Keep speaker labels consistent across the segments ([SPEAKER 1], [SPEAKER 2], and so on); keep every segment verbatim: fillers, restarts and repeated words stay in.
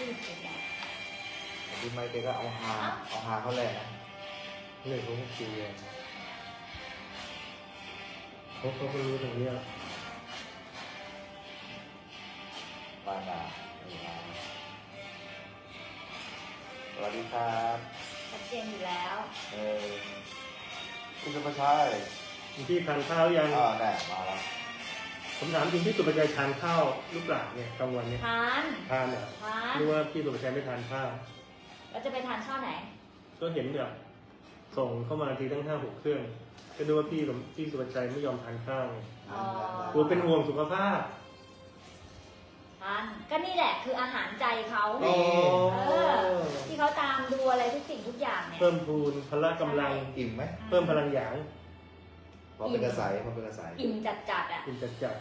[SPEAKER 1] ชื่อเก่งอ่ะ
[SPEAKER 2] พี่ไม่เก่งก็เอาหาเอาหาเขาแหละ
[SPEAKER 3] เรื่องของจริงเลยเขาเขาก็รู้ตรงนี้
[SPEAKER 2] บ้านนาสวัสดีครับ
[SPEAKER 1] ชัดเจนอยู่แล้ว
[SPEAKER 2] เออคุณสุภาชัย
[SPEAKER 3] พี่ทานข้าวยัง
[SPEAKER 2] อ่าแน่มาแล้ว
[SPEAKER 3] ผมถามจริงพี่สุภาชัยทานข้าวหรือเปล่าเนี่ยกลางวันเนี่ย
[SPEAKER 1] ทาน
[SPEAKER 3] ทานเหรอ
[SPEAKER 1] ทาน
[SPEAKER 3] หรือว่าพี่สุภาชัยไม่ทานข้าว
[SPEAKER 1] เราจะไปทานข้าวไหน
[SPEAKER 3] ก็เห็นแบบส่งเข้ามาทีตั้งห้าหกเครื่องก็ดูว่าพี่พี่สุภาชัยไม่ยอมทานข้าวกลัวเป็นห่วงสุขภาพ
[SPEAKER 1] ทานก็นี่แหละคืออาหารใจเขาเออที่เขาตามดูอะไรทุกสิ่งทุกอย่างเนี่ย
[SPEAKER 3] เพิ่มพูนพละกำลัง
[SPEAKER 2] อิ่มไหม
[SPEAKER 3] เพิ่มพลังหยาง
[SPEAKER 2] พอเป็นกระสายพอเป็นกระสาย
[SPEAKER 1] อิ่มจัดจัดอ่ะ
[SPEAKER 3] อิ่มจัดจัด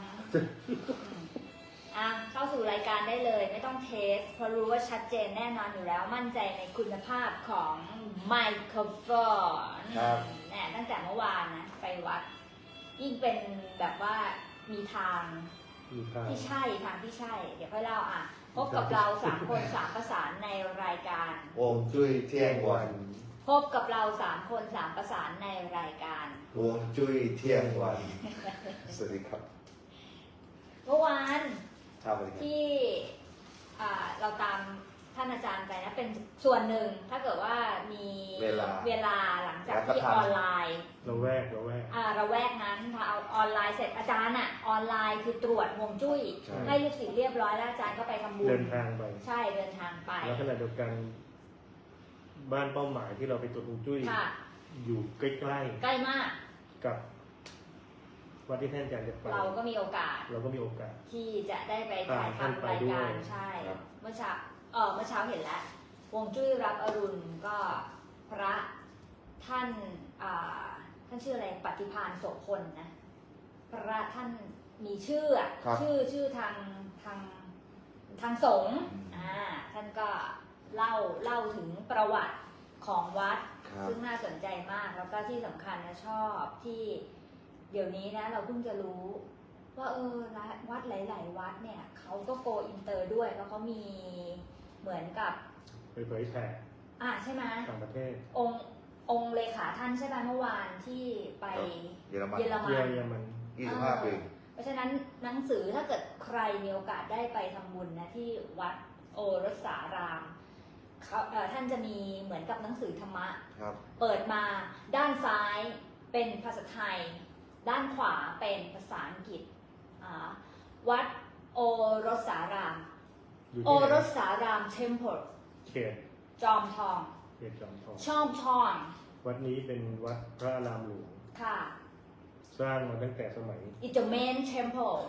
[SPEAKER 1] อ่ะเข้าสู่รายการได้เลยไม่ต้องเทสเพราะรู้ว่าชัดเจนแน่นอนอยู่แล้วมั่นใจในคุณภาพของไมโครโฟนเนี่ยตั้งแต่เมื่อวานนะไปวัดยิ่งเป็นแบบว่ามีทางที่ใช่ทางที่ใช่เดี๋ยวค่อยเล่าอ่ะพบกับเราสามคนสามประสานในรายการ
[SPEAKER 2] วงจุ้ยเที่ยงวัน
[SPEAKER 1] พบกับเราสามคนสามประสานในรายการ
[SPEAKER 2] วงจุ้ยเที่ยงวันสวัสดีครับ
[SPEAKER 1] เมื่อวานที่เราตามท่านอาจารย์ไปนะเป็นส่วนหนึ่งถ้าเกิดว่ามีเวลาเวลาหลังจากที่ออนไลน์
[SPEAKER 3] เราแวกเราแวก
[SPEAKER 1] อ่าเราแวกนั้นพอเอาออนไลน์เสร็จอาจารย์อ่ะออนไลน์คือตรวจฮวงจุ้ยให้ลูกศิษย์เรียบร้อยแล้วอาจารย์ก็ไปทำบุญ
[SPEAKER 3] เดินทางไป
[SPEAKER 1] ใช่เดินทางไป
[SPEAKER 3] แล้วขณะเดียวกันบ้านเป้าหมายที่เราไปตรวจฮวงจุ้ยอยู่ใกล้ๆ
[SPEAKER 1] ใกล้มาก
[SPEAKER 3] กับวัดที่ท่านอาจารย์จะไป
[SPEAKER 1] เราก็มีโอกาส
[SPEAKER 3] เราก็มีโอกาส
[SPEAKER 1] ที่จะได้ไปถ่ายทำรายการใช่เมื่อเช้าเออเมื่อเช้าเห็นแล้วฮวงจุ้ยรับอรุณก็พระท่านอ่าท่านชื่ออะไรปฏิภาณโสพลนะพระท่านมีชื่อชื่อชื่อทางทางทางสงฆ์อ่าท่านก็เล่าเล่าถึงประวัติของวัดซึ่งน่าสนใจมากแล้วก็ที่สำคัญนะชอบที่เดี๋ยวนี้นะเราเพิ่งจะรู้ว่าเออวัดหลายๆวัดเนี่ยเขาก็โกอินเตอร์ด้วยแล้วเขามีเหมือนกับ
[SPEAKER 3] ไปเผยแผ่
[SPEAKER 1] อ่าใช่ไหม
[SPEAKER 3] ต่างประเทศ
[SPEAKER 1] องค์องค์เลขาท่านใช่ไหมเมื่อวานที่ไป
[SPEAKER 2] เยอรมัน
[SPEAKER 3] เยอรมัน
[SPEAKER 2] ยี่สิบห้าปี
[SPEAKER 1] เพราะฉะนั้นหนังสือถ้าเกิดใครมีโอกาสได้ไปทำบุญนะที่วัดโอรสารามท่านจะมีเหมือนกับหนังสือธรรมะเปิดมาด้านซ้ายเป็นภาษาไทยด้านขวาเป็นภาษาอังกฤษวัดโอรสารามโอรสารามเทมเพล
[SPEAKER 3] เขต
[SPEAKER 1] จอมทอง
[SPEAKER 3] เขตจอมทอง
[SPEAKER 1] ชอมทอง
[SPEAKER 3] วัดนี้เป็นวัดพระอารามหลวง
[SPEAKER 1] ค่ะ
[SPEAKER 3] สร้างมาตั้งแต่สมัย
[SPEAKER 1] It's the main temple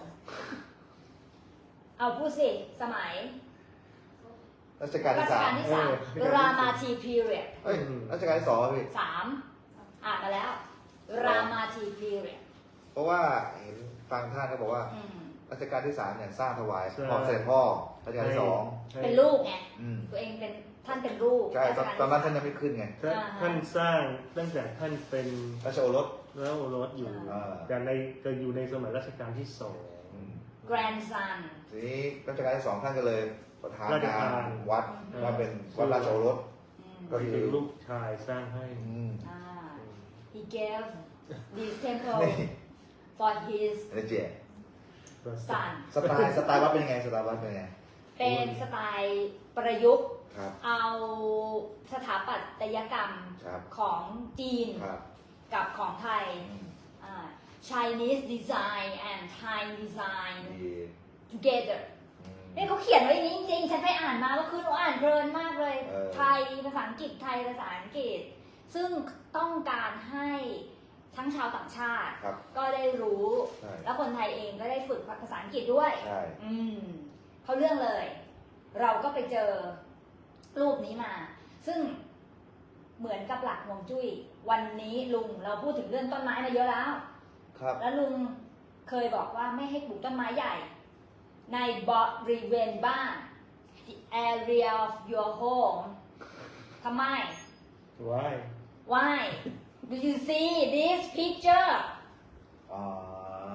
[SPEAKER 1] เอาพูดสิสมัย
[SPEAKER 2] รัชกาลที่สาม
[SPEAKER 1] รามาทีพีเรียด
[SPEAKER 2] เอ้ยรัชกาลที่สองพี่
[SPEAKER 1] สามอ่านมาแล้วรามาทีพีเรียด
[SPEAKER 2] เพราะว่าเห็นฟังท่านเขาบอกว่ารัชกาลที่สามเนี่ยสร้างถวายพ่อเสด็จพ่อรัชกาลที่สอง
[SPEAKER 1] เป็นลูกไงตัวเองเป็นท่านเป็นลูก
[SPEAKER 2] ใช่ตอนนั้นท่านยังไม่ขึ้นไง
[SPEAKER 3] ท่านสร้างตั้งแต่ท่านเป็น
[SPEAKER 2] ราชโอรส
[SPEAKER 3] แล้วโอรสอยู่แต่ในจะอยู่ในสมัยรัชกาลที่สอง
[SPEAKER 1] grandson
[SPEAKER 2] ทีนี้รัชกาลที่สองท่านก็เลยประธานงานวัดว่าเป็นวัดราชโอรส
[SPEAKER 3] ก็คือลูกชายสร้างให้
[SPEAKER 1] he gave this temple for his son
[SPEAKER 2] สไตล์สไตล์วัดเป็นยังไงสไตล์วัดเป็นยังไง
[SPEAKER 1] เป็นสไตล์ประยุกต์เอาสถาปัตยกรรมของจีนกับของไทย Chinese design and Thai design together นี่เขาเขียนไว้อย่างนี้จริงๆฉันไปอ่านมาเมื่อคืนเราอ่านเพลินมากเลยไทยภาษาอังกฤษไทยภาษาอังกฤษซึ่งต้องการให้ทั้งชาวต่างชาติก็ได้รู้แล้วคนไทยเองก็ได้ฝึกภาษาอังกฤษด้วยอืมเขาเรื่องเลยเราก็ไปเจอรูปนี้มาซึ่งเหมือนกับหลักฮวงจุ้ยวันนี้ลุงเราพูดถึงเรื่องต้นไม้มาเยอะแล้วแล้วลุงเคยบอกว่าไม่ให้ปลูกต้นไม้ใหญ่ในบริเวณบ้าน the area of your home ทำไม
[SPEAKER 3] why
[SPEAKER 1] why do you see this picture
[SPEAKER 2] อ่า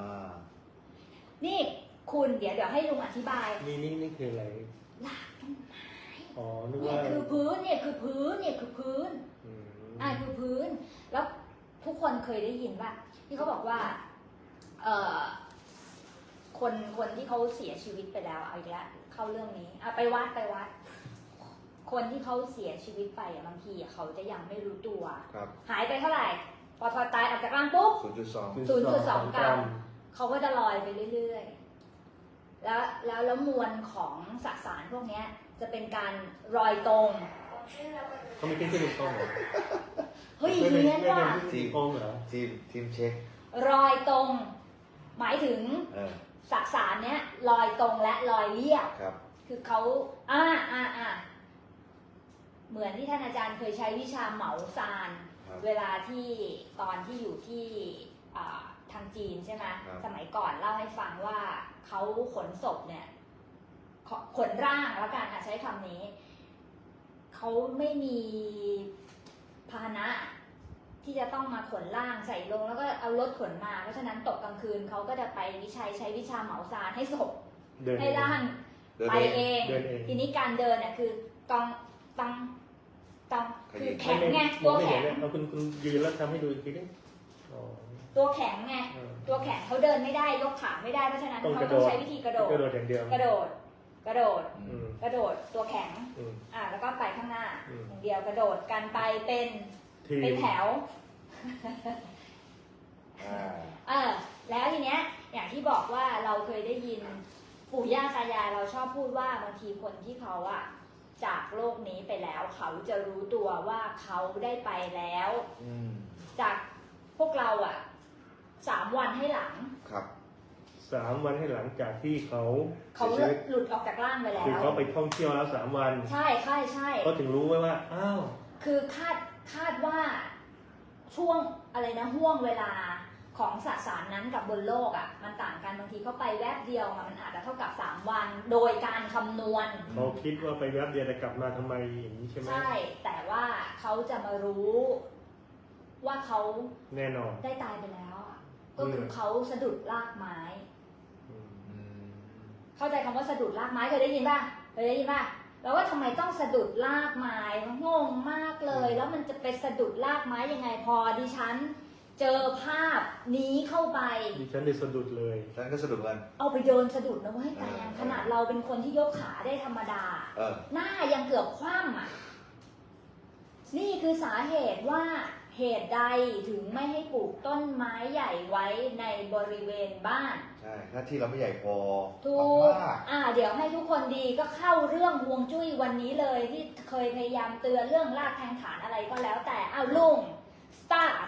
[SPEAKER 1] นี่คุณเดี๋ยวเดี๋ยวให้ลุงอธิบาย
[SPEAKER 3] นี่นี่นี่คืออะไร
[SPEAKER 1] หลักต้นไม้
[SPEAKER 3] อ๋อนึก
[SPEAKER 1] เนี่
[SPEAKER 3] ว่าย
[SPEAKER 1] คือพื้นเนี่ยคือพื้นเนี่ยคือพื้น
[SPEAKER 3] อืม
[SPEAKER 1] อ่าคือพื้น แล้วทุกคนเคยได้ยินป่ะที่เขาบอกว่าเอ่อคนคนที่เขาเสียชีวิตไปแล้วเอาอีกแล้วเข้าเรื่องนี้อ่ะไปวัดไปวัด คนที่เขาเสียชีวิตไปอ่ะบางทีอ่ะเขาจะยังไม่รู้ตัว
[SPEAKER 2] ครับ
[SPEAKER 1] หายไปเท่าไหร่ พอพอตายออกจากร่างปุ๊บ
[SPEAKER 2] ศูนย์จุดสอง
[SPEAKER 1] ศูนย์จุดสองกรัม เขาก็จะลอยไปเรื่อยๆ แล้วแล้วแล้วมวลของสสารพวกเนี้ยจะเป็นการรอยตรง
[SPEAKER 3] เขามีเทคนิคกล้องเหรอ
[SPEAKER 1] เฮ้ย
[SPEAKER 3] ไม่
[SPEAKER 1] เฮี้ยน
[SPEAKER 3] ไม่
[SPEAKER 1] ว่ะ
[SPEAKER 3] เป็นเทคนิคกล้องเหรอ
[SPEAKER 2] ทีมทีมเช็ค
[SPEAKER 1] รอยตรง หมายถึง
[SPEAKER 2] เออ
[SPEAKER 1] สสารเนี้ยลอยตรงและลอยเรียบ
[SPEAKER 2] ครับ
[SPEAKER 1] คือเขาอ่าอ่าอ่าเหมือนที่ท่านอาจารย์เคยใช้วิชาเหมาซาน
[SPEAKER 2] ครับ
[SPEAKER 1] เวลาที่ตอนที่อยู่ที่อ่าทางจีนใช่ไหม
[SPEAKER 2] ครับ
[SPEAKER 1] สมัยก่อนเล่าให้ฟังว่าเขาขนศพเนี่ยขขนร่างแล้วกันอ่ะใช้คำนี้ เขาไม่มีพาหนะ ที่จะต้องมาขนร่างใส่ลงแล้วก็เอารถขนมา เพราะฉะนั้นตกกลางคืนเขาก็จะไปวิชัยใช้วิชาเหมาซานให้ศพ
[SPEAKER 3] เดิน
[SPEAKER 1] ให้ร่าง
[SPEAKER 2] เดิน
[SPEAKER 1] ไป
[SPEAKER 2] เอง
[SPEAKER 1] เอง
[SPEAKER 3] เดินเอง
[SPEAKER 1] ทีนี้การเดินเนี่ยคือต้องต้องต้องคือ
[SPEAKER 2] ขยิบ
[SPEAKER 1] แข็งไง
[SPEAKER 3] ม
[SPEAKER 1] ตั
[SPEAKER 3] อ
[SPEAKER 1] ว
[SPEAKER 3] ไม่
[SPEAKER 1] แข็
[SPEAKER 3] เห็น
[SPEAKER 1] ง
[SPEAKER 3] เนี่ยเอาคุณคุณยืนแล้วทำให้ดูอีกทีนึงอ๋อ
[SPEAKER 1] ตัวแข็งไง
[SPEAKER 3] เออ
[SPEAKER 1] ตัวแข็งเขาเดินไม่ได้ยกขาไม่ได้เพราะฉะนั้น
[SPEAKER 3] ต้อง
[SPEAKER 1] เขา
[SPEAKER 3] กระโด
[SPEAKER 1] ต้อง
[SPEAKER 3] ด
[SPEAKER 1] ใช้วิธีกระโดด
[SPEAKER 3] กระโดดอย่างเดียว
[SPEAKER 1] กระโดด กระโดด
[SPEAKER 2] อื
[SPEAKER 3] อื
[SPEAKER 2] ม
[SPEAKER 3] ม
[SPEAKER 1] กระโดดตัวแข็ง
[SPEAKER 3] อืม
[SPEAKER 1] อ่าแล้วก็ไปข้างหน้า
[SPEAKER 3] อืม
[SPEAKER 1] อย่างเดียวกระโดดกันไปเป็น
[SPEAKER 3] ทีม
[SPEAKER 1] เป็นแถว
[SPEAKER 2] อ่า
[SPEAKER 1] เออแล้วทีเนี้ยอย่างที่บอกว่าเราเคยได้ยินปู่ย่าตายายเราชอบพูดว่าบางทีคนที่เขาอะจากโลกนี้ไปแล้ว เขาจะรู้ตัวว่าเขาได้ไปแล้ว
[SPEAKER 2] อืม
[SPEAKER 1] จากพวกเราอะสามวันให้หลัง
[SPEAKER 2] ครับ
[SPEAKER 3] สามวันให้หลังจากที่เขา
[SPEAKER 1] เขา
[SPEAKER 3] เสียชีวิต
[SPEAKER 1] หลุดออกจากร่างไปแล้
[SPEAKER 3] คือ
[SPEAKER 1] ว
[SPEAKER 3] เขาไปท่องเที่ยวแล้วสามวัน
[SPEAKER 1] ใช่ใช่ใช่
[SPEAKER 3] ก็ถึงรู้ไว้ว่าอ้าว
[SPEAKER 1] คือคาดคาดว่าช่วงอะไรนะห่วงเวลาของสสารนั้นกับบนโลกอะมันต่างกันบางทีเขาไปแวบเดียวอะมันอาจจะเท่ากับสามวัน โดยการคำนวณ
[SPEAKER 3] เขาคิดว่าไปแวบเดียวแต่กลับมาทำไมอย่างนี้ใช่ไหม
[SPEAKER 1] ใช่ แต่ว่าเขาจะมารู้ว่าเขา
[SPEAKER 3] แน่นอน
[SPEAKER 1] ได้ตายไปแล้วอะก็คือเขาสะดุดรากไม้
[SPEAKER 3] อืม
[SPEAKER 2] อืม
[SPEAKER 1] เข้าใจคำว่าสะดุดรากไม้เคยได้ยินป่ะเคยได้ยินป่ะแล้วว่าทำไมต้องสะดุดรากไม้งงมากเลย แล้วมันจะไปสะดุดรากไม้ยังไงพอดิฉัน เจอภาพนี้เข้าไป
[SPEAKER 3] ดิฉันได้สะดุดเลย
[SPEAKER 2] ฉันก็สะดุดกัน
[SPEAKER 1] เอาไปเดินสะดุดนะเว้ยแต่
[SPEAKER 2] เออ
[SPEAKER 1] ขนาดเราเป็นคนที่ยกขาได้ธรรมดา
[SPEAKER 2] เออ
[SPEAKER 1] หน้ายังเกือบคว่ำอ่ะ นี่คือสาเหตุว่าเหตุใดถึงไม่ให้ปลูกต้นไม้ใหญ่ไว้ในบริเวณบ้าน
[SPEAKER 2] ใช่ถ้าที่เราไม่ใหญ่พอ
[SPEAKER 1] ถูก
[SPEAKER 2] มาก
[SPEAKER 1] อ่า เดี๋ยวให้ทุกคนดีก็เข้าเรื่องฮวงจุ้ยวันนี้เลยที่เคยพยายามเตือนเรื่องรากแทงฐานอะไรก็แล้วแต่อ้าวลุง start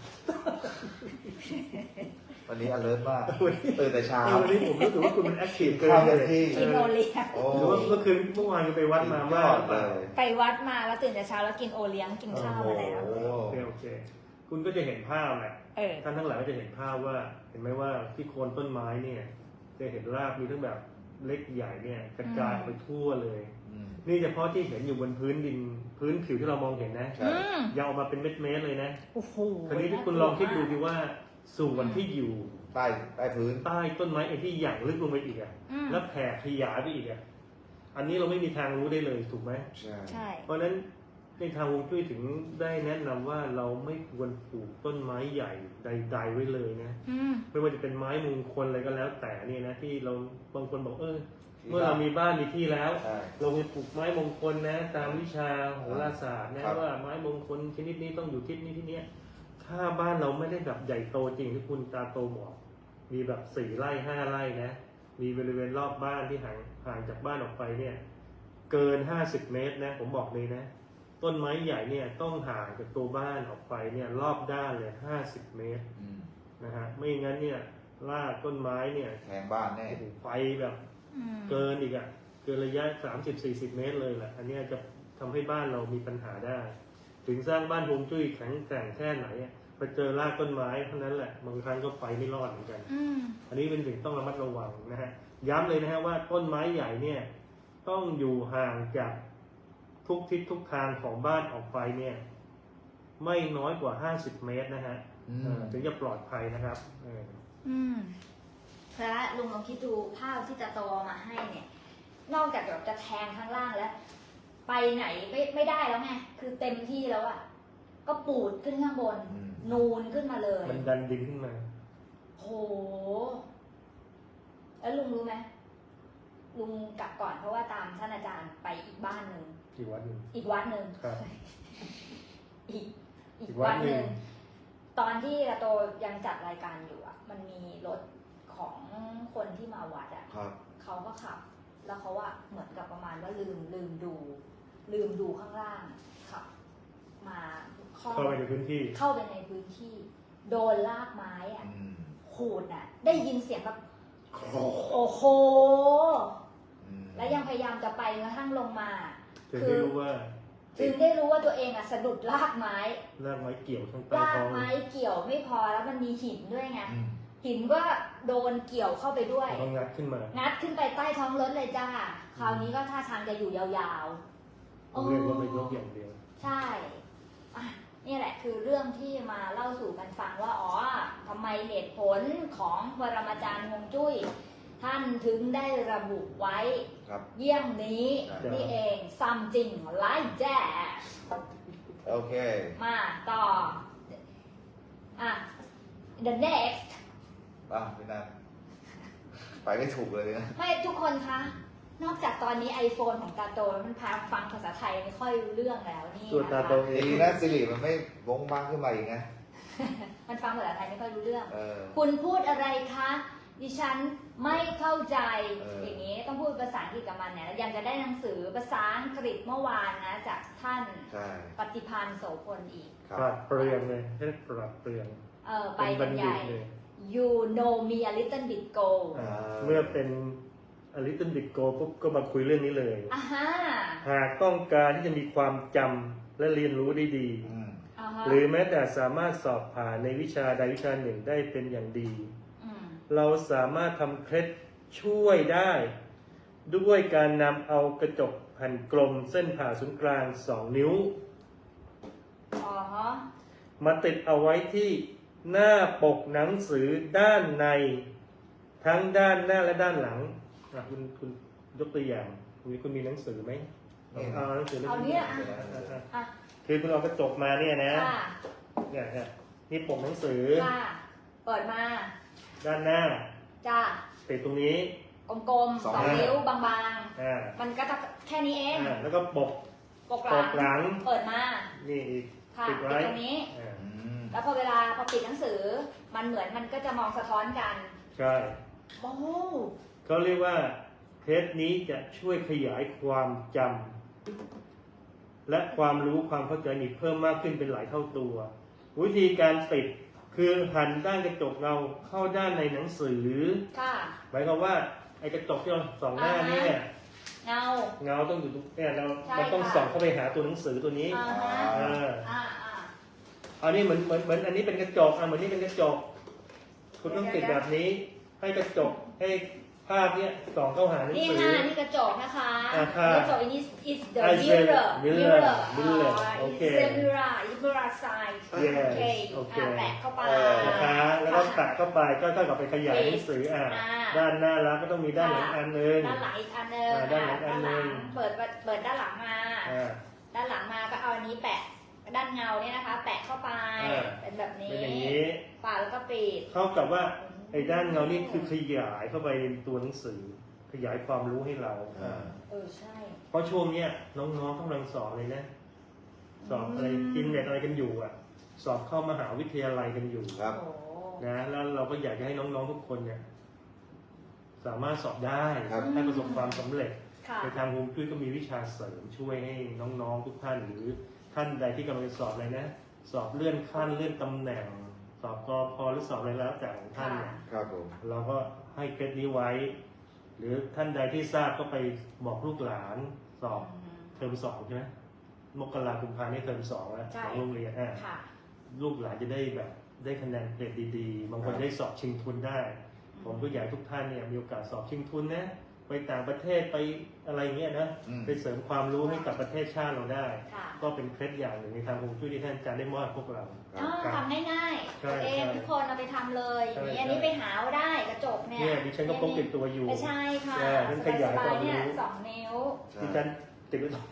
[SPEAKER 2] วันนี้ alert มากตื่นแต่เช้า
[SPEAKER 3] เออวันนี้ผมรู้สึกว่าคุณมันแอคทีฟเกิน
[SPEAKER 2] ข้าว
[SPEAKER 3] เล
[SPEAKER 2] เต็ม
[SPEAKER 3] ย
[SPEAKER 2] ที่
[SPEAKER 1] กินโอเลี้ยง
[SPEAKER 2] โอ้
[SPEAKER 3] หรือว่าเมื่อคืนเมื่อวานก็ไปวัดมามาก
[SPEAKER 2] ยอดเลย
[SPEAKER 1] ไปวัดมาแล้วตื่นแต่เช้าแล้วกินโอเลี้ยงกินข้าวมาแล้ว
[SPEAKER 2] โอ้
[SPEAKER 3] โอเคโอเค คุณก็จะเห็นภาพแหละ
[SPEAKER 1] เออ
[SPEAKER 3] ท่านทั้งหลายก็จะเห็นภาพว่า เห็นไหมว่าที่โคนต้นไม้เนี่ย จะเห็นรากมีทั้งแบบเล็กใหญ่เนี่ยกระจายออกไปทั่วเลย
[SPEAKER 2] อืม
[SPEAKER 3] นี่เฉพาะที่เห็นอยู่บนพื้นดินพื้นผิวที่เรามองเห็นนะ
[SPEAKER 2] ใช่
[SPEAKER 1] อืม
[SPEAKER 3] ยาวออกมาเป็นเม็ดๆเลยนะ
[SPEAKER 1] โอ้โห
[SPEAKER 3] คราวนี้ที่คุณลองคิดดูดีว่าส่วนที่อยู่
[SPEAKER 2] ใต้ใต้พื้น
[SPEAKER 3] ใต้ต้นไม้ไอ้ที่หยั่งลึกลงไปอีกอ่ะ
[SPEAKER 1] อืม
[SPEAKER 3] แล้วแผ่ขยายไปอีกอ่ะ อันนี้เราไม่มีทางรู้ได้เลยถูกไหม
[SPEAKER 2] ใช่
[SPEAKER 1] ใช่
[SPEAKER 3] เพราะฉะนั้นในทางฮวงจุ้ยถึงได้แนะนำว่าเราไม่ควรปลูกต้นไม้ใหญ่ใด ๆ ไว้เลยนะ
[SPEAKER 1] อืม
[SPEAKER 3] ไม่ว่าจะเป็นไม้มงคลอะไรก็แล้วแต่เนี่ยนะที่เราบางคนบอกเออเมื่อเรามีบ้านมีที่แล้ว
[SPEAKER 2] ใช่
[SPEAKER 3] เราไปปลูกไม้มงคลนะ ตามวิชาโหราศาสตร์นะครับ ว่าไม้มงคลชนิดนี้ต้องอยู่ทิศนี้ที่เนี้ยถ้าบ้านเราไม่ได้แบบใหญ่โตจริงที่คุณตาโตบอก มีแบบสี่ไร่ห้าไร่นะ มีบริเวณรอบบ้านที่ห่างห่างจากบ้านออกไปเนี่ย เกินห้าสิบเมตรนะ ผมบอกเลยนะ ต้นไม้ใหญ่เนี่ยต้องห่างจากตัวบ้านออกไปเนี่ยรอบด้านเลยห้าสิบเมตร
[SPEAKER 2] อืม
[SPEAKER 3] นะฮะไม่งั้นเนี่ยรากต้นไม้เนี่ย
[SPEAKER 2] แทงบ้านแน่
[SPEAKER 3] โอ้โหไปแบบ
[SPEAKER 1] อืม
[SPEAKER 3] เกินอีกอะเกินระยะสามสิบสี่สิบเมตรเลยแหละอันเนี้ยจะทำให้บ้านเรามีปัญหาได้ ถึงสร้างบ้านฮวงจุ้ยแข็งแกร่งแค่ไหนอะไปเจอรากต้นไม้เท่านั้นแหละบางครั้งก็ไปไม่รอดเหมือนกัน
[SPEAKER 1] อืม
[SPEAKER 3] อันนี้เป็นสิ่งต้องระมัดระวังนะฮะย้ำเลยนะฮะว่าต้นไม้ใหญ่เนี่ยต้องอยู่ห่างจากทุกทิศทุกทางของบ้านออกไปเนี่ยไม่น้อยกว่าห้าสิบเมตรนะฮะ
[SPEAKER 2] อืม
[SPEAKER 3] เออถึงจะปลอดภัยนะครับเออ
[SPEAKER 1] อืมแล้วลุงลองคิดดูภาพที่จะโตมาให้เนี่ย นอกจากแบบจะแทงข้างล่างแล้วไปไหนไม่ไม่ได้แล้วไงคือเต็มที่แล้วอะก็ปูดขึ้นข้างบน
[SPEAKER 2] อืม
[SPEAKER 1] นูนขึ้นมาเลย
[SPEAKER 3] มันดันดินขึ้นมา
[SPEAKER 1] โหแล้วลุงรู้ไหมลุงกลับก่อนเพราะว่าตามท่านอาจารย์ไปอีกบ้านหนึ่ง
[SPEAKER 3] อีกวัดหนึ่ง
[SPEAKER 1] อีกวัดหนึ่ง
[SPEAKER 3] ครับ
[SPEAKER 1] อีกอี
[SPEAKER 3] อี
[SPEAKER 1] ก
[SPEAKER 3] กวั
[SPEAKER 1] วั
[SPEAKER 3] ด
[SPEAKER 1] ด
[SPEAKER 3] ห
[SPEAKER 1] ห
[SPEAKER 3] นึ่
[SPEAKER 1] นึ่
[SPEAKER 3] ง
[SPEAKER 1] งตอนที่ระโตยังจัดรายการอยู่อ่ะ มันมีรถของคนที่มาวัดอ่ะ
[SPEAKER 2] ครับ
[SPEAKER 1] เขาก็ขับ แล้วเขาว่าเหมือนกับประมาณว่าลืมลืมดู ลืมดูข้างล่างขับ มาเข้า
[SPEAKER 3] เข้าไปในพื้นที่
[SPEAKER 1] เข้าไปในพื้นที่ โดนลากไม้อ่ะ
[SPEAKER 2] อืม
[SPEAKER 1] ขูดอ่ะ ได้ยินเสียงแบบ
[SPEAKER 2] โอ้โห
[SPEAKER 1] โอ้โห
[SPEAKER 2] อืม
[SPEAKER 1] และยังพยายามจะไปกระทั่งลงมา
[SPEAKER 3] ถึงได้รู้ว่า
[SPEAKER 1] จึงได้รู้ว่าตัวเองอ่ะสะดุดลากไม้
[SPEAKER 3] รากไม้เกี่ยวข้างใต้
[SPEAKER 1] ลาก
[SPEAKER 3] ท้อง
[SPEAKER 1] ไม้เกี่ยวไม่พอแล้วมันมีหินด้วยไง
[SPEAKER 2] อืม
[SPEAKER 1] หินก็โดนเกี่ยวเข้าไปด้วย
[SPEAKER 3] ต้องงัดขึ้นมา
[SPEAKER 1] งัดขึ้นไปใต้ท้องรถเลยจ้า คราวนี้ก็ท่าทางจะอยู่ยาวๆ
[SPEAKER 3] ผมเรียกว่าไม่ยกอย่างเดียว
[SPEAKER 1] ใช่อ่ะนี่แหละคือเรื่องที่มาเล่าสู่กันฟังว่า อ๋อทำไมเหตุผลของปรมาจารย์ฮวงจุ้ย ท่านถึงได้ระบุไว้
[SPEAKER 2] ครับ
[SPEAKER 1] เยี่ยงนี้
[SPEAKER 3] ครับ
[SPEAKER 1] นี่เองซัมจริงไลฟ์แจ๊ส
[SPEAKER 2] โอเค
[SPEAKER 1] มาต่อ อ่ะ the next
[SPEAKER 2] อ่ะพี่นันไปไม่ถูกเลยนะ
[SPEAKER 1] ไม่ทุกคนคะ นอกจากตอนนี้ iPhone ของตาโตมันพาฟังภาษาไทยไม่ค่อยรู้เรื่องแล้วนี่
[SPEAKER 3] ส่วน
[SPEAKER 1] นะ
[SPEAKER 3] ตา
[SPEAKER 1] คะ
[SPEAKER 3] โตเอ
[SPEAKER 2] ดี
[SPEAKER 3] ง
[SPEAKER 2] นะสิริมันไม่วงบ้างขึ้นมาอีกนะ
[SPEAKER 1] มันฟังภาษาไทยไม่ค่อยรู้เรื่อง
[SPEAKER 2] เออ
[SPEAKER 1] คุณพูดอะไรคะ ดิฉันไม่เข้าใจ
[SPEAKER 2] เออ
[SPEAKER 1] อ
[SPEAKER 2] อย่าง
[SPEAKER 1] นี้ต้องพูดภาษาอังกฤษกับมันเนี่ยแล้วยังจะได้หนังสือภาษาอังกฤษเมื่อวานนะ จากท่าน
[SPEAKER 2] ใช่
[SPEAKER 1] ปฏิพันธ์โสพลอีก
[SPEAKER 2] ครั
[SPEAKER 3] ปรั
[SPEAKER 2] บ
[SPEAKER 3] ดเปลืองเลยให้ปรับเปลือง
[SPEAKER 1] เออไป
[SPEAKER 3] เป็น
[SPEAKER 1] บ
[SPEAKER 3] บั
[SPEAKER 1] ร
[SPEAKER 3] ณ
[SPEAKER 1] ร
[SPEAKER 3] ฑิ
[SPEAKER 1] ยา
[SPEAKER 3] ต
[SPEAKER 1] ย
[SPEAKER 3] เลย
[SPEAKER 1] you know me a little bit go
[SPEAKER 3] อ่าเมื่อเป็นอลิตันบิโกปุ๊บก็มาคุยเรื่องนี้เลย
[SPEAKER 1] อ่าฮะ
[SPEAKER 3] หากต้องการที่จะมีความจำและเรียนรู้ได้ดี
[SPEAKER 2] อืม
[SPEAKER 1] อ่าฮะ
[SPEAKER 3] หรือแม้แต่สามารถสอบผ่านในวิชาใดวิชาหนึ่งได้เป็นอย่างดี
[SPEAKER 1] อืม
[SPEAKER 3] เราสามารถทำเคล็ดช่วยได้ ด้วยการนำเอากระจกแผ่นกลมเส้นผ่าศูนย์กลางสองนิ้ว
[SPEAKER 1] อ๋อฮะ
[SPEAKER 3] มาติดเอาไว้ที่หน้าปกหนังสือด้านใน ทั้งด้านหน้าและด้านหลังอ่ะคุณคุณยกตัวอย่างคุณคุณมีหนังสือไหม
[SPEAKER 2] นี่
[SPEAKER 3] เอาหนังสือ
[SPEAKER 1] เอาเนี่ยอ่ะ
[SPEAKER 3] อ่ะอ่ะ
[SPEAKER 1] อ่ะ
[SPEAKER 3] คือคุณเอากระจกมาเนี่ยนะ
[SPEAKER 1] ค่ะ
[SPEAKER 3] เนี่ยเนี่ยนี่ปกหนังสือ
[SPEAKER 1] ค่ะเปิดมา
[SPEAKER 3] ด้านหน้า
[SPEAKER 1] จ้า
[SPEAKER 3] ติดตรงนี้
[SPEAKER 1] กลมๆสองนิ้วบาง
[SPEAKER 3] อ่า
[SPEAKER 1] ๆ มันก็จะแค่นี้เอง
[SPEAKER 3] อ่าแล้วก็ปก
[SPEAKER 1] ปก
[SPEAKER 3] ปก
[SPEAKER 1] ห
[SPEAKER 3] หลั
[SPEAKER 1] ลั
[SPEAKER 3] ง
[SPEAKER 1] ง เปิดมา
[SPEAKER 3] นี่อีก
[SPEAKER 1] ค่ะ
[SPEAKER 3] ติ
[SPEAKER 1] ติ
[SPEAKER 3] ด
[SPEAKER 1] ด
[SPEAKER 3] ไว้
[SPEAKER 1] ตรงนี้
[SPEAKER 3] อ่า
[SPEAKER 2] อืม
[SPEAKER 1] แล้วพอเวลาพอปิดหนังสือ มันเหมือนมันก็จะมองสะท้อนกัน
[SPEAKER 3] ใช่
[SPEAKER 1] โอ้
[SPEAKER 3] เขาเรียกว่าเทปนี้จะช่วยขยายความจำและความรู้ความเข้าใจนี่เพิ่มมากขึ้นเป็นหลายเท่าตัว วิธีการติดคือหันด้านกระจกเงาเข้าด้านในหนังสือ
[SPEAKER 1] ค่ะ
[SPEAKER 3] หมายความว่าไอ้กระจกที่เราส่องหน้านี่เนี่ย
[SPEAKER 1] เงา
[SPEAKER 3] เงาต้องอยู่ตรงเนี่ยเรา
[SPEAKER 1] ใช่
[SPEAKER 3] เราต้อง
[SPEAKER 1] ค่ะ
[SPEAKER 3] ส่องเข้าไปหาตัวหนังสือตัวนี้
[SPEAKER 1] อ่าฮะ
[SPEAKER 3] เออ
[SPEAKER 1] อ่าอ่า
[SPEAKER 3] อันนี้เหมือนเหมือนเหมือนอันนี้เป็นกระจกอ่ะเหมือนนี่เป็นกระจก คุณต้องติดแบบนี้ ให้กระจกให้ภาพเนี้ยส่องเข้าหาหนัง
[SPEAKER 1] นี่
[SPEAKER 3] สือ
[SPEAKER 1] ค่ะนี่กระจกนะคะ
[SPEAKER 3] อ่าค่ะ
[SPEAKER 1] กระจก is is the
[SPEAKER 3] I said
[SPEAKER 1] mirror
[SPEAKER 3] mirror mirror
[SPEAKER 1] อ่า
[SPEAKER 3] โอ
[SPEAKER 1] is
[SPEAKER 3] เค
[SPEAKER 1] the mirror is mirror side
[SPEAKER 3] Yes
[SPEAKER 1] โอเค
[SPEAKER 3] โอเค
[SPEAKER 1] อ่าแปะเข้าไป
[SPEAKER 2] เออ
[SPEAKER 3] นะคะแล้วก็แตะเข้าไปก็เท่ากับไปขยายหนังสืออ่ะ
[SPEAKER 1] อ่า
[SPEAKER 3] ด้านหน้าแล้วก็ต้องมีด้านหลังอันหนึง
[SPEAKER 1] ด้านหลังอีกอันหนึง
[SPEAKER 3] อ่าด้านหลังอันหนึ่ง
[SPEAKER 1] ด้าเปิดเปิดด้านหลังมา
[SPEAKER 3] อ่า
[SPEAKER 1] ด้านหลังมาก็เอาอันนี้แปะด้านเงาเนี่ยนะคะ แปะเข้าไป
[SPEAKER 3] อ่า
[SPEAKER 1] เป็นแบบนี้
[SPEAKER 3] เป็นอย่างนี้
[SPEAKER 1] ปาดแล้วก็ปิด
[SPEAKER 3] เท่ากับว่าไอ้ด้านเงานี่คือขยายเข้าไปในตัวหนังสือ ขยายความรู้ให้เรา
[SPEAKER 2] อ่า
[SPEAKER 1] เออใช่
[SPEAKER 3] เพราะช่วงเนี้ยน้องๆกำลังสอบเลยนะ สอบอะไรกินเน็ตอะไรกันอยู่อ่ะ สอบเข้ามหาวิทยาลัยกันอยู่
[SPEAKER 2] ครับ
[SPEAKER 1] โอ้
[SPEAKER 3] นะแล้วเราก็อยากจะให้น้องๆทุกคนเนี่ยสามารถสอบได้
[SPEAKER 2] ครับ
[SPEAKER 3] ให้ประสบความสำเร็จ
[SPEAKER 1] ค่ะ
[SPEAKER 3] ในทางฮวงจุ้ยก็มีวิชาเสริมช่วยให้น้องๆทุกท่าน หรือท่านใดที่กำลังจะสอบอะไรนะ สอบเลื่อนขั้นเลื่อนตำแหน่ง สอบกพหรือสอบอะไรแล้วแต่ของท่านเนี่ย
[SPEAKER 2] ครับผม
[SPEAKER 3] เราก็ให้เคล็ดนี้ไว้ หรือท่านใดที่ทราบก็ไปบอกลูกหลานสอบ
[SPEAKER 1] อืม
[SPEAKER 3] เทอมสองใช่ไหมมกราคมกุมภาพันธ์นี่เทอมสองแล้ว
[SPEAKER 1] ใช่
[SPEAKER 3] ของโรงเรียนอ่ะ
[SPEAKER 1] ค่ะ
[SPEAKER 3] ลูกหลานจะได้แบบได้คะแนนเกรดดีๆ บางคนได้สอบชิงทุนได้ ผมก็อยากให้ทุกท่านเนี่ยมีโอกาสสอบชิงทุนนะไปต่างประเทศไปอะไรเงี้ยนะ
[SPEAKER 2] อืม
[SPEAKER 3] ไปเสริมความรู้ให้กับประเทศชาติเราได้
[SPEAKER 1] ค่ะ
[SPEAKER 3] ก็เป็นเคล็ดอย่างหนึ่งในทางฮวงจุ้ยที่ท่านอาจารย์ได้มอบให้พวกเรา
[SPEAKER 1] อ๋อ
[SPEAKER 3] ครับ
[SPEAKER 1] ทำง่ายๆ
[SPEAKER 3] ใช่
[SPEAKER 1] ตัวเอง
[SPEAKER 3] ใช่
[SPEAKER 1] ทุกคนเอาไปทำเลย
[SPEAKER 3] ใช่
[SPEAKER 1] อย่างนี้อันนี้
[SPEAKER 3] ใช่
[SPEAKER 1] ไปหาเอาได้กระจกเนี่ย
[SPEAKER 3] เนี่ยดิฉันก็พกติดตัวอยู่
[SPEAKER 1] ไม่ใช่ค่ะ
[SPEAKER 3] ใช่ท่านขยาย
[SPEAKER 1] ส
[SPEAKER 3] ความ
[SPEAKER 1] บๆเนี่ย
[SPEAKER 3] รู้
[SPEAKER 1] สองนิ้ว
[SPEAKER 2] ใช่
[SPEAKER 3] ที่ท่านติดไว้ตรง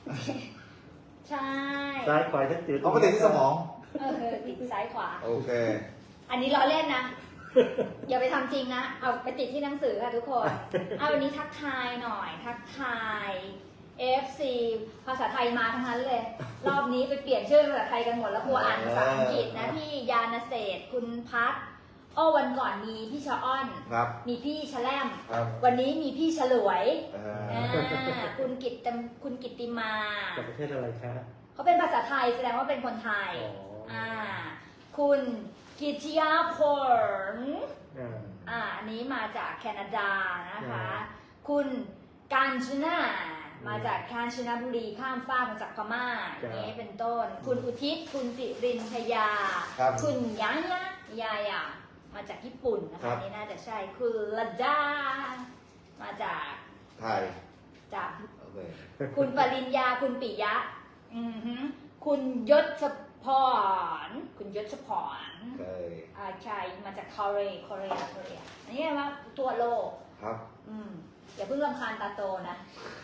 [SPEAKER 1] ใช่
[SPEAKER 3] ซ้ายขวาจะติด
[SPEAKER 2] เอาไปติดที่สมอง
[SPEAKER 1] เออติดซ้ายขวา
[SPEAKER 2] โอเค
[SPEAKER 1] อันนี้ล้อเล่นนะ อย่าไปทำจริงนะ เอาไปติดที่หนังสือค่ะทุกคน เอาวันนี้ทักทายหน่อย ทักทาย เอฟ ซี ภาษาไทยมาทั้งนั้นเลย รอบนี้ไปเปลี่ยนชื่อภาษาไทยกันหมดแล้วกลัวอ่านภาษาอังกฤษนะพี่ยานเศษคุณพัฒน์อ้อวันก่อนมีพี่ชะอ้อน
[SPEAKER 2] ครับ
[SPEAKER 1] มีพี่ชะแลม
[SPEAKER 2] ครับ
[SPEAKER 1] วันนี้มีพี่ฉลวย
[SPEAKER 2] เอ่อ
[SPEAKER 1] อ่าคุณกิตตมคุณกิตติมา
[SPEAKER 3] จากประเทศอะไรคะ
[SPEAKER 1] เขาเป็นภาษาไทยแสดงว่าเป็นคนไทย
[SPEAKER 3] อ๋ออ่
[SPEAKER 1] อ่า คุณกิตยาพล
[SPEAKER 3] อ่า
[SPEAKER 1] อ่า อันนี้มาจากแคนาดานะคะ
[SPEAKER 3] อ่า
[SPEAKER 1] คุณกาญจนามาจากกาญจนบุรีข้ามฟากมาจากพม่าอย่างนี้เป็นต้น คุณอุทิศ คุณสิรินทยา
[SPEAKER 2] ครับ
[SPEAKER 1] คุณยายะยายามาจากญี่ปุ่นนะ
[SPEAKER 2] ครั
[SPEAKER 1] คะ
[SPEAKER 2] บ
[SPEAKER 1] นี่น่าจะใช่ คุณละดา มาจาก
[SPEAKER 2] ไทย
[SPEAKER 1] จาก
[SPEAKER 2] โอเค
[SPEAKER 1] คุณปริญญา คุณปิยะ อือหือคุณยศพร คุณยศพร
[SPEAKER 2] เคย
[SPEAKER 1] อ่าใช่มาจากเกาหลีเกาหลีเกาหลีอันนี้ว่าตัวโลก
[SPEAKER 2] ครับ
[SPEAKER 1] อืมอย่าเพิ่งรำคาญตาโตนะ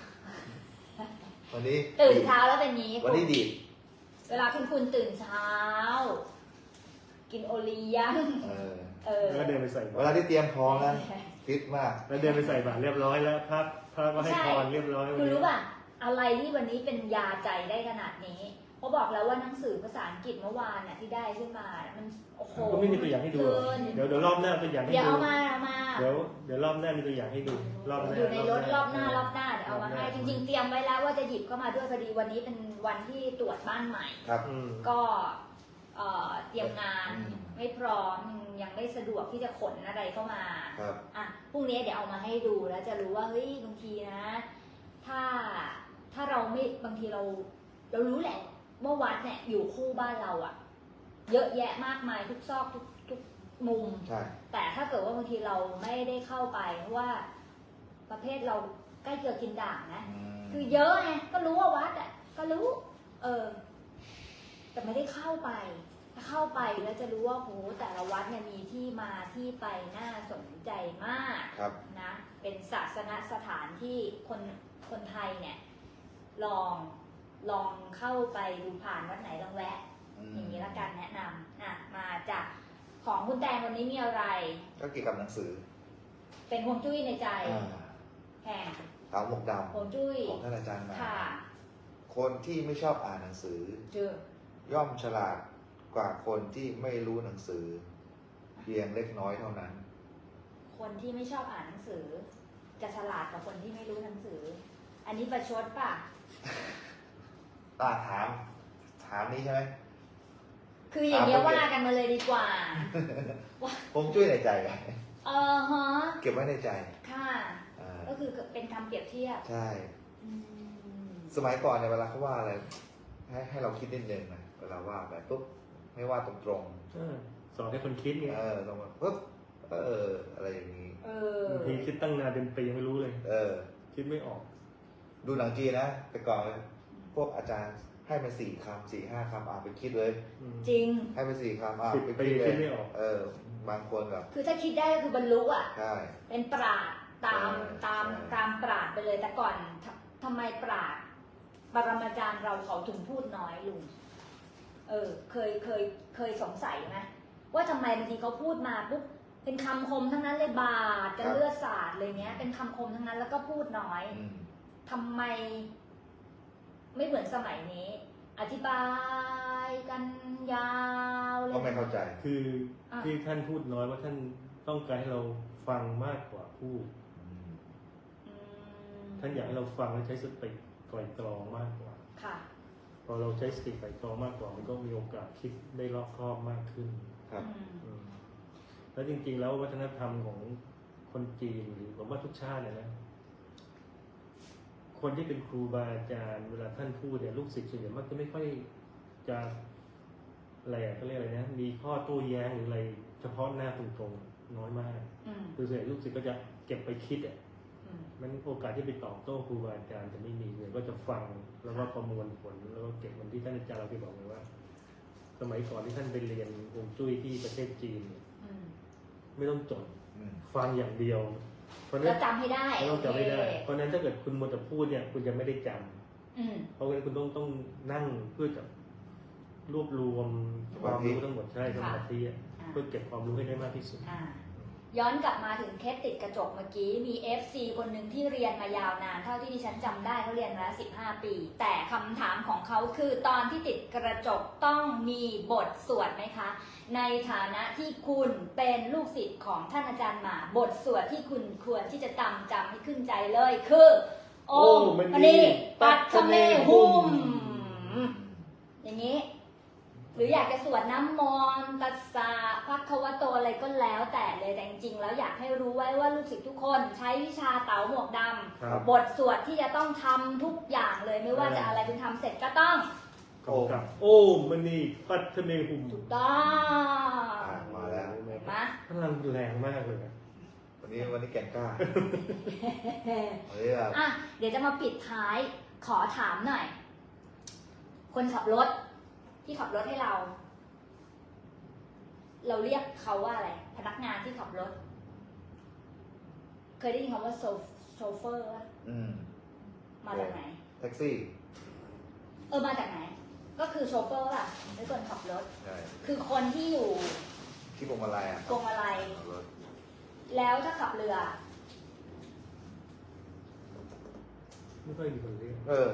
[SPEAKER 2] วันนี้
[SPEAKER 1] ตื่นเช้าแล้วเป็นอย่างนี้
[SPEAKER 2] วันนี้ดีด
[SPEAKER 1] เวลาคุณคุณตื่นเช้า กินโอเลี้ยง
[SPEAKER 2] เออ
[SPEAKER 1] เออ
[SPEAKER 3] แล้วก็เดินไปใส่
[SPEAKER 2] เว
[SPEAKER 3] บา
[SPEAKER 2] ลา
[SPEAKER 3] ตร
[SPEAKER 2] ที่เตรียมพร้อมแล้วฟิตมาก
[SPEAKER 3] แล้วเดินไปใส่บาตรเรียบร้อยแล้วพระพระก็ให้พรเรียบร้อย
[SPEAKER 1] คุณรู้ป่ะ อะไรที่วันนี้เป็นยาใจได้ขนาดนี้เพราะบอกแล้วว่าหนังสือภาษาอังกฤษเมื่อวานน่ะที่ได้ขึ้นมา มันโอ้โห
[SPEAKER 3] ก็ไม่มีตัวอย่างให้ดูหรอก
[SPEAKER 1] เกิน
[SPEAKER 3] เดี๋ยวเดี๋ยวรอบหน้าตัวอย่างให้
[SPEAKER 1] เดี๋ยว
[SPEAKER 3] ดู
[SPEAKER 1] เอามาเอามา
[SPEAKER 3] เดี๋ยวเดี๋ยวรอบหน้ามีตัวอย่างให้ดูรอบหน้า
[SPEAKER 1] อยู่ในรถรอบหน้ารอบหน้าเดี๋ยวเอามาให้ จริง ๆ เตรียมไว้แล้วว่าจะหยิบเข้ามาด้วยพอดีวันนี้เป็นวันที่ตรวจบ้านใหม่
[SPEAKER 2] ครับ
[SPEAKER 3] อืม
[SPEAKER 1] ก็เอ่อเตรียมงาน
[SPEAKER 2] อืม
[SPEAKER 1] ไม่พร้อมยังไม่สะดวกที่จะขนอะไรเข้ามา
[SPEAKER 2] ครับ
[SPEAKER 1] อ่ะพรุ่งนี้เดี๋ยวเอามาให้ดูแล้วจะรู้ว่าเฮ้ยบางทีนะ ถ้าถ้าเราไม่บางทีเรา เรารู้แหละว่าวัดเนี่ยอยู่คู่บ้านเราอะเยอะแยะมากมายทุกซอกทุกทุกมุม
[SPEAKER 2] ใช่
[SPEAKER 1] แต่ถ้าเกิดว่าบางทีเราไม่ได้เข้าไปเพราะว่าประเภทเราใกล้เกลือกินด่างนะ
[SPEAKER 2] อืม
[SPEAKER 1] คือเยอะไงก็รู้ว่าวัดอ่ะก็รู้ เออ แต่ไม่ได้เข้าไป ถ้าเข้าไปแล้วจะรู้ว่าโหแต่ละวัดเนี่ยมีที่มาที่ไปน่าสนใจมาก
[SPEAKER 2] ครับ
[SPEAKER 1] นะ เป็นศาสนสถานที่คนคนไทยเนี่ย ลองลองเข้าไปดูผ่านวัดไหนลองแวะ
[SPEAKER 2] อืม
[SPEAKER 1] อย่างนี้ละกันแนะนำอ่ะมาจากของคุณแตงวันนี้มีอะไร
[SPEAKER 2] ก็เกี่ยวกับหนังสือ
[SPEAKER 1] เป็นฮวงจุ้ยในใจ
[SPEAKER 2] อ่า
[SPEAKER 1] แห่ง
[SPEAKER 2] เต๋าหมวกด
[SPEAKER 1] ฮวงจุ้ย
[SPEAKER 2] ำของท่านอาจารย์มา
[SPEAKER 1] ค่ะ
[SPEAKER 2] คนที่ไม่ชอบอ่านหนังสือ
[SPEAKER 1] เจอ
[SPEAKER 2] ย่อมฉลาดกว่าคนที่ไม่รู้หนังสือ เพียงเล็กน้อยเท่านั้น
[SPEAKER 1] คนที่ไม่ชอบอ่านหนังสือ จะฉลาดกว่าคนที่ไม่รู้หนังสือ อันนี้ประชดป่ะ
[SPEAKER 2] ตาถาม ถามนี้ใช่ไหม
[SPEAKER 1] คืออย่างเงี้ย
[SPEAKER 2] อ่าโอเค
[SPEAKER 1] ว่ากันมาเลยดีกว่า
[SPEAKER 2] ผมช่วยในใจไง
[SPEAKER 1] เออฮะ
[SPEAKER 2] เก็บไว้ในใจ
[SPEAKER 1] ค่ะ
[SPEAKER 2] อ่า
[SPEAKER 1] ก็คือเป็นคำเปรียบเทียบ
[SPEAKER 2] ใช่
[SPEAKER 1] อืม
[SPEAKER 2] สมัยก่อนเนี่ยเวลาเขาว่าอะไร ให้ให้เราคิดนิดนึงนะเวลาว่าไปปุ๊บไม่ว่าตรงตรง
[SPEAKER 3] เออสอนให้คนคิดไง
[SPEAKER 2] ๆเออตรงมาปุ๊บเอออะไรอย่างนี้
[SPEAKER 1] เออ
[SPEAKER 3] บางทีคิดตั้งนานเป็นปียังไม่รู้เลย
[SPEAKER 2] เออ
[SPEAKER 3] คิดไม่ออก
[SPEAKER 2] ดูหนังจีนนะแต่ก่อนพวกอาจารย์ให้มาสี่คำสี่ห้าคำอ่านไปคิดเลย
[SPEAKER 3] อืม
[SPEAKER 1] จริง
[SPEAKER 2] ให้มาสี่คำอ่าน
[SPEAKER 3] สิบ
[SPEAKER 2] ไป
[SPEAKER 3] ปี
[SPEAKER 2] คิดเล
[SPEAKER 3] คิ
[SPEAKER 2] ย
[SPEAKER 3] ดไม่ออก
[SPEAKER 2] เออ บางคนแบบ
[SPEAKER 1] คือถ้าคิดได้ก็คือบรรลุอ่ะ
[SPEAKER 2] ใช่
[SPEAKER 1] เป็นปราดตาม
[SPEAKER 2] ใช่
[SPEAKER 1] ตาม
[SPEAKER 2] ใช่
[SPEAKER 1] ตามปราดไปเลยแต่ก่อนทำทำไมปราดปรมาจารย์เราเขาถึงพูดน้อยลุงเออ เคยเคยเคยสงสัยไหมว่าทำไมบางทีเขาพูดมาปุ๊บเป็นคำคมทั้งนั้นเลยบาดกันเลือดสาดเลยเนี้ย เป็นคำคมทั้งนั้นแล้วก็พูดน้อย
[SPEAKER 2] อืม
[SPEAKER 1] ทำไม ไม่เหมือนสมัยนี้ อธิบายกันยาวเลย
[SPEAKER 2] ก็ไม่เข้าใจ
[SPEAKER 3] คืออะ ที่ท่านพูดน้อยว่าท่านต้องการให้เราฟังมากกว่าพูด
[SPEAKER 2] อืม
[SPEAKER 1] อืม
[SPEAKER 3] ท่านอยากให้เราฟังและใช้สติไตร่ตรองมากกว่า
[SPEAKER 1] ค่ะ
[SPEAKER 3] พอเราใช้สติไตร่ตรองมากกว่า มันก็มีโอกาสคิดได้รอบคอบมากขึ้น
[SPEAKER 2] ครับ
[SPEAKER 1] อืม
[SPEAKER 3] อืมแล้วจริงๆแล้ววัฒนธรรมของคนจีนหรือผมว่าทุกชาติเนี่ยนะ คนที่เป็นครูบาอาจารย์เวลาท่านพูดเนี่ยลูกศิษย์ส่วนใหญ่มักจะไม่ค่อยจะอะไรอะเขาเรียกอะไรนะมีข้อโต้แย้งหรืออะไรเฉพาะหน้าตรงๆน้อยมาก
[SPEAKER 1] อืม
[SPEAKER 3] คือส่วนใหญ่ลูกศิษย์ก็จะเก็บไปคิดอ่ะ
[SPEAKER 1] อืม
[SPEAKER 3] มันโอกาสที่ไปตอบโต้ครูบาอาจารย์จะไม่มีเลยก็จะฟังแล้วก็ประมวลผลแล้วก็เก็บมันที่ท่านอาจารย์เราเคยบอกเลยว่า สมัยก่อนที่ท่านไปเรียนฮวงจุ้ยที่ประเทศจีนเนี่ย
[SPEAKER 1] อืม
[SPEAKER 3] ไม่ต้องจด
[SPEAKER 2] อืม
[SPEAKER 3] ฟังอย่างเดียว เพราะฉะ
[SPEAKER 1] แล้
[SPEAKER 3] นั้
[SPEAKER 1] วน จำให้ได้
[SPEAKER 3] ไม่ต้องจำไม่ได้
[SPEAKER 1] โอเค
[SPEAKER 3] เพราะฉะนั้นถ้าเกิดคุณมัวแต่พูดเนี่ยคุณจะไม่ได้จำ
[SPEAKER 1] อืม
[SPEAKER 3] เพราะงั้นคุณต้องต้องนั่งเพื่อจะรวบรวมความรู้ทั้งหมดใช่สมาธิอะเพื่อเก็บความรู้ให้ได้มากที่สุด
[SPEAKER 1] อ่าย้อนกลับมาถึงเคสติดกระจกเมื่อกี้มี เอฟ ซี คนหนึ่งที่เรียนมายาวนานเท่าที่ดิฉันจำได้เขาเรียนมาแล้วสิบห้าปี แต่คำถามของเขาคือตอนที่ติดกระจกต้องมีบทสวดไหมคะในฐานะที่คุณเป็นลูกศิษย์ของท่านอาจารย์หมาบทสวดที่คุณควรที่จะจำจำให้ขึ้นใจเลยคือโอมมณีปัตเมหุมอย่างนี้หรืออยากจะสวดน้ำมนต์ตัสสะภะคะวะโตอะไรก็แล้วแต่เลยแต่จริงๆแล้วอยากให้รู้ไว้ว่าลูกศิษย์ทุกคนใช้วิชาเต๋าหมวกดำบทสวดที่จะต้องทำทุกอย่างเลยไม่ว่าจะอะไรคุณทำเสร็จก็ต้อง
[SPEAKER 3] โอ้โอ้มันนี่ปัตเมหุม
[SPEAKER 1] ถูกต้อง
[SPEAKER 2] มาแล้ว
[SPEAKER 1] เห็นไหม
[SPEAKER 3] พลังแรงมากเลย
[SPEAKER 2] วันนี้วันนี้แก่งกล้าวันนี้แบบ
[SPEAKER 1] อ่ะเดี๋ยวจะมาปิดท้ายขอถามหน่อย คนขับรถที่ขับรถให้เรา เราเรียกเขาว่าอะไรพนักงานที่ขับรถ เคยได้ยินคำว่าโชเฟอร์ป่ะ
[SPEAKER 2] อืม
[SPEAKER 1] มาจากไหน
[SPEAKER 2] แท็กซี่
[SPEAKER 1] เออมาจากไหน ก็คือโชเฟอร์ป่ะเป็นคนขับรถ
[SPEAKER 2] ใช่
[SPEAKER 1] คือคนที่อยู่
[SPEAKER 2] ที่พวงมาลัยอ่ะ
[SPEAKER 1] พวงมาลัย
[SPEAKER 2] ขับรถ
[SPEAKER 1] แล้วถ้าขับเรือ
[SPEAKER 3] ไม่ค่อยมีคนเรียก
[SPEAKER 2] เออ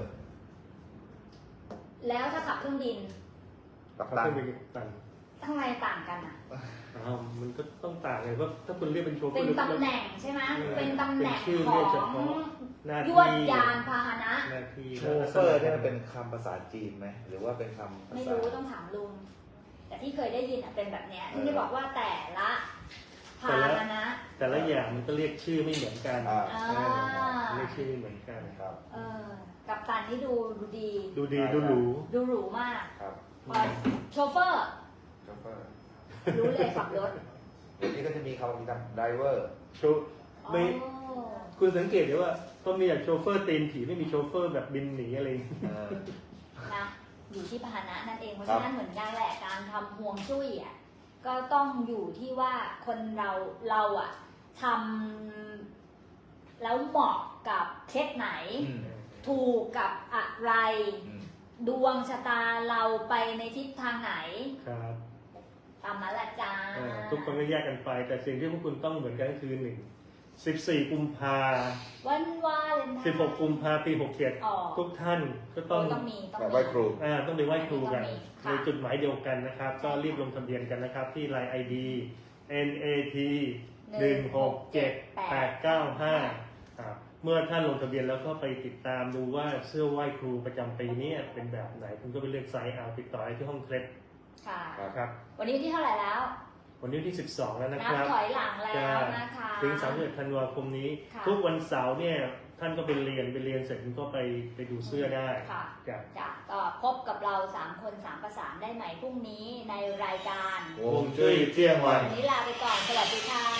[SPEAKER 1] แล้วถ้าขับเครื่องบิน
[SPEAKER 2] กับ
[SPEAKER 3] เขา
[SPEAKER 2] ตัน
[SPEAKER 3] เป็นตัน
[SPEAKER 1] ทำไมต่างกันอ่ะ
[SPEAKER 3] อ้าวมันก็ต้องต่างเลยเพราะถ้าคุณเรียกเป็นโชเฟอร์
[SPEAKER 1] เป็นตำแหน่งใช่ไหมเป็นตำแหน่ง
[SPEAKER 3] เป็นชื่อ
[SPEAKER 1] ข
[SPEAKER 3] เรี
[SPEAKER 1] อย
[SPEAKER 3] กเฉ
[SPEAKER 1] ง
[SPEAKER 3] พาะหน้าที่
[SPEAKER 1] ยวดยานพาหนะ
[SPEAKER 3] หน้าที่
[SPEAKER 2] โชเฟอร์เนี่ยมันเป็นคำภาษาจีนไหมหรือว่าเป็นคำภา
[SPEAKER 1] ไม่
[SPEAKER 2] ษา
[SPEAKER 1] รู้ต้องถามลุง แต่ที่เคยได้ยินอ่ะเป็นแบบเนี้ยที่ได้บอกว่าแต่ละพาหนะ
[SPEAKER 3] แต่ละอย่างมันก็เรียกชื่อไม่เหมือนกัน
[SPEAKER 2] อ่า
[SPEAKER 1] อ่า
[SPEAKER 3] เรียกชื่อไม่เหมือนกัน
[SPEAKER 2] ครับ
[SPEAKER 1] เออกับตันนี่ดูดูดี
[SPEAKER 3] ดูดีดูหรู
[SPEAKER 1] ดูหรูมาก
[SPEAKER 2] ครับ
[SPEAKER 1] พอโชเฟอร์
[SPEAKER 2] โชเฟอร์
[SPEAKER 1] รู้เลยขับรถ
[SPEAKER 2] เดี๋ยวนี้ก็จะมีคำว่ามีคำไดเวอร์
[SPEAKER 3] โชว์ไม่
[SPEAKER 1] อ๋อ
[SPEAKER 3] คุณสังเกตได้ว่าก็มีอย่างโชเฟอร์ตีนผีไม่มีโชเฟอร์แบบบินหนีอะไรอย่างเงี้ย
[SPEAKER 2] เออ
[SPEAKER 1] นะอยู่ที่พาหนะนั่นเองเพราะ
[SPEAKER 2] ครั
[SPEAKER 1] ฉะ
[SPEAKER 2] บ
[SPEAKER 1] นั้นเหมือนกันแหละการทำห่วงจุ้ยอ่ะก็ต้องอยู่ที่ว่าคนเราเราอ่ะทำแล้วเหมาะกับเคสไหน
[SPEAKER 2] อืม
[SPEAKER 1] ถูกกับอะไร
[SPEAKER 2] อืม
[SPEAKER 1] ดวงชะตาเราไปในทิศทางไหน
[SPEAKER 3] ครับ
[SPEAKER 1] ตามมาละจ้า
[SPEAKER 3] เอ่อทุกคนก็แยกกันไป แต่สิ่งที่พวกคุณต้องเหมือนกันก็คือหนึ่งสิบสี่กุมภา
[SPEAKER 1] วันวาเลนไทน์
[SPEAKER 3] สิบหกกุมภาปีหกเจ็ด
[SPEAKER 1] อ๋อ
[SPEAKER 3] ทุกท่านก็ต้อง
[SPEAKER 1] ต้องมีต้อง
[SPEAKER 2] แบบ
[SPEAKER 1] มี
[SPEAKER 2] ไหว้ครู
[SPEAKER 3] อ่าต้องไปไหว้ครูกัน
[SPEAKER 1] ต้องมี
[SPEAKER 3] ใน
[SPEAKER 1] ค่ะ
[SPEAKER 3] จุดหมายเดียวกันนะครับ ก็รีบลงทะเบียนกันนะครับ ที่ ไลน์ ไอ ดี เอ็น เอ ที หนึ่งหกเจ็ดแปดเก้าห้าครับเมื่อท่านลงทะเบียนแล้วก็ไปติดตามดูว่าเสื้อไหว้ครูประจำปีนี้เป็นแบบไหน คุณก็ไปเลือกไซส์เอาติดต่อได้ที่ห้องเคล็ด
[SPEAKER 1] ค่ะ
[SPEAKER 3] ครับ
[SPEAKER 1] วันนี้วันที่เท่าไหร่แล้ว
[SPEAKER 3] วันนี้วันที่สิบสองแล้วนะ
[SPEAKER 1] นั
[SPEAKER 3] ค
[SPEAKER 1] บ
[SPEAKER 3] รับ
[SPEAKER 1] ถอยหลังแล้วนะคะ
[SPEAKER 3] ถึงสามสิบเอ็ดธันวาคมนี้
[SPEAKER 1] ค่ะ
[SPEAKER 3] ทุกวันเสาร์เนี่ยท่านก็ไปเรียนไปเรียนเสร็จคุณก็ไปไปดูเสื้อได้
[SPEAKER 1] ค่ะ
[SPEAKER 3] จ้ะ
[SPEAKER 1] จ้ะก็พบกับเราสามคนสามประสานได้ใหม่พรุ่งนี้ในรายการ
[SPEAKER 2] วงจุ้ยเที่ยงวัน
[SPEAKER 1] วันนี้ลาไปก่อน สวัสดีค่ะ